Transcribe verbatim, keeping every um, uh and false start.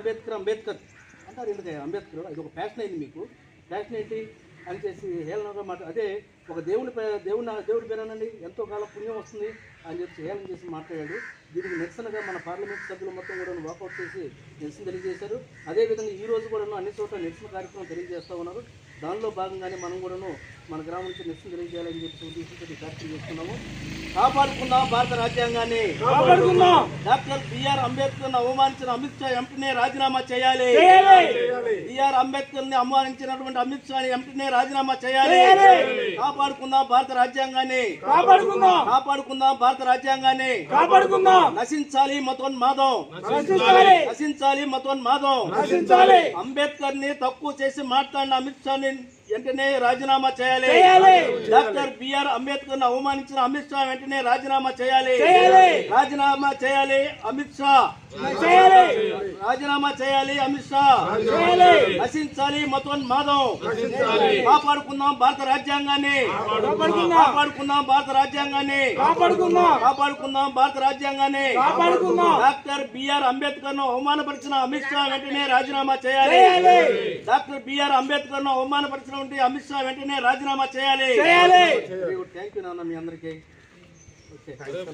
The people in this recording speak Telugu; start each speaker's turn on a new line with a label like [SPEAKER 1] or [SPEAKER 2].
[SPEAKER 1] అంబేద్కర్ అంబేద్కర్ అంటారు. ఎందుకంటే అంబేద్కర్ అది ఒక ఫ్యాషన్ అయింది మీకు. ఫ్యాషన్ ఏంటి అని చేసి హేళనగా మాట అదే ఒక దేవుని దేవుని దేవుడి పేరేనండి ఎంతో కాలం పుణ్యం వస్తుంది అని చెప్పి హేళన చేసి మాట్లాడాడు. దీనికి నిరసనగా మన పార్లమెంట్ సభ్యులు మొత్తం కూడా వాకౌట్ చేసి నిరసన తెలియజేశారు. అదేవిధంగా ఈ రోజు కూడా అన్ని చోట్ల నిరసన కార్యక్రమం తెలియజేస్తూ ఉన్నారు. దానిలో భాగంగానే మనం కూడాను మన గ్రామం నుంచి నిరసన తెలియజేయాలని చెప్పి ఉద్దేశంతో కార్యక్రమం చేస్తున్నాము. కాపాడుకుందాం భారత రాజ్యాంగాన్ని, డాక్టర్ బిఆర్ అంబేద్కర్ అవమానించిన అమిత్ షా ఎంపీనే రాజీనామా చేయాలి. బిఆర్ అంబేద్కర్ ని అవమానించినటువంటి అమిత్ షా ఎంపీనే రాజీనామా చేయాలి. కాపాడుకుందాం భారత రాజ్యాంగాన్ని, కాపాడుకుందాం భారత రాజ్యాంగాన్ని, నశించాలి మతోన్మాదం, నశించాలి మతోన్మాదం. అంబేద్కర్ ని తక్కువ చేసి మాట్లాడిన అమిత్ షా వెంటనే రాజీనామా చేయాలి. డాక్టర్ బిఆర్ అంబేద్కర్ ను అవమానించిన అమిత్ షా వెంటనే రాజీనామా చేయాలి. రాజీనామా చేయాలి అమిత్ షా, రాజీనామా చేయాలి అమిత్ షా. నశించాలి మతోన్మాదం. కాపాడుకుందాం భారత రాజ్యాంగాన్ని, కాపాడుకుందాం భారత రాజ్యాంగాన్ని, కాపాడుకుందాం భారత రాజ్యాంగాన్ని. డాక్టర్ బిఆర్ అంబేద్కర్ ను అవమానపరిచిన అమిత్ షా వెంటనే రాజీనామా చేయాలి. డాక్టర్ బిఆర్ అంబేద్కర్ ను అవమానపరిచిన అమిత్ షా వెంటనే రాజీనామా చేయాలి. థ్యాంక్ యూ నాన్న మీ అందరికీ.